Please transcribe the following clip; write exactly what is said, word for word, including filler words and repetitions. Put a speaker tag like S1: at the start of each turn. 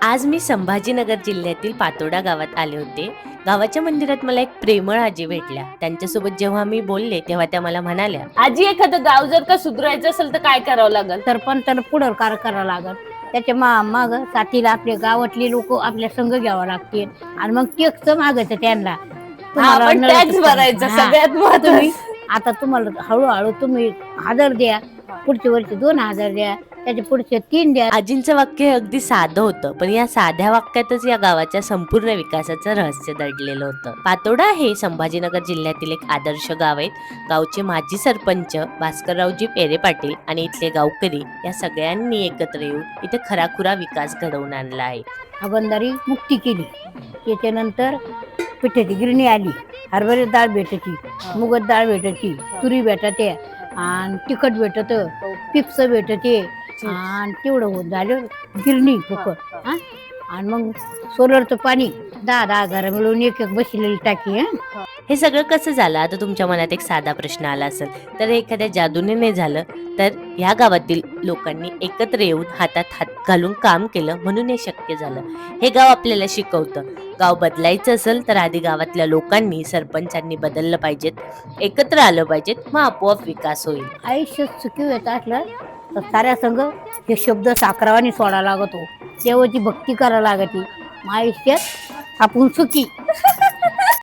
S1: आज मी संभाजीनगर जिल्ह्यातील पातोडा गावात आले होते. गावाच्या मंदिरात मला एक प्रेमळ आजी भेटल्या. त्यांच्यासोबत जेव्हा मी बोलले तेव्हा त्या मला म्हणाल्या,
S2: आजी एखादं गाव जर का सुधारायचं असेल तर काय करावं लागेल?
S3: सरपंचानं पुढाकार करावा लागल. त्याच्या मा माग साथीला आपल्या गावातले लोक आपल्या संघ घ्यावं लागतील आणि मग टेक्स मागायचं त्यांना.
S2: हा, पण
S3: नळ
S2: टॅक्स भरायचा
S3: हा.
S2: सगळ्यात
S3: तुम्ही
S2: महत्त्वाचं.
S3: आता तुम्हाला हळूहळू तुम्ही हजार द्या, पुढच्या वर्षी दोन हजार द्या, त्याच्या पुढचे तीन द्या.
S1: आजींचं वाक्य अगदी साधं होतं, पण या साध्या वाक्यातच या गावाच्या संपूर्ण विकासाचं रहस्य दडलेलं होतं. पातोडा हे संभाजीनगर जिल्ह्यातील एक आदर्श गाव आहे. गावचे माजी सरपंच भास्कररावजी पेरे पाटील आणि इथले गावकरी या सगळ्यांनी एकत्र येऊन इथे खराखुरा विकास घडवून आणला आहे.
S3: अगंदारी मुक्ती केली. त्याच्यानंतर पिठाची गिरणी आली, हरभरे डाळ भेटायची, मुगत डाळ भेटायची, तुरी भेटते आणि तिखट भेटत, पिप्स भेटते आणि तेवढं होत झालं गिरणी फुकट. हा आणि मग सोलरचं पाणी दहा दहा घर मिळून एक एक बसलेली टाकी. हा
S1: हे सगळं कसं झालं? आता तुमच्या मनात एक साधा प्रश्न आला असेल, तर एखाद्या जादूने नाही झालं, तर ह्या गावातील लोकांनी एकत्र येऊन हातात हात घालून काम केलं म्हणून हे शक्य झालं. हे गाव आपल्याला शिकवतं, गाव बदलायचं असेल तर आधी गावातल्या लोकांनी, सरपंचांनी बदललं पाहिजेत, एकत्र आलं पाहिजेत, मग आपोआप विकास होईल.
S3: आयुष्य सुखी येत असलं तर साऱ्या संघ हे शब्द साखरावानी सोडा लागतो, देवाची भक्ती करायला लागते. मग आयुष्यात आपण सुखी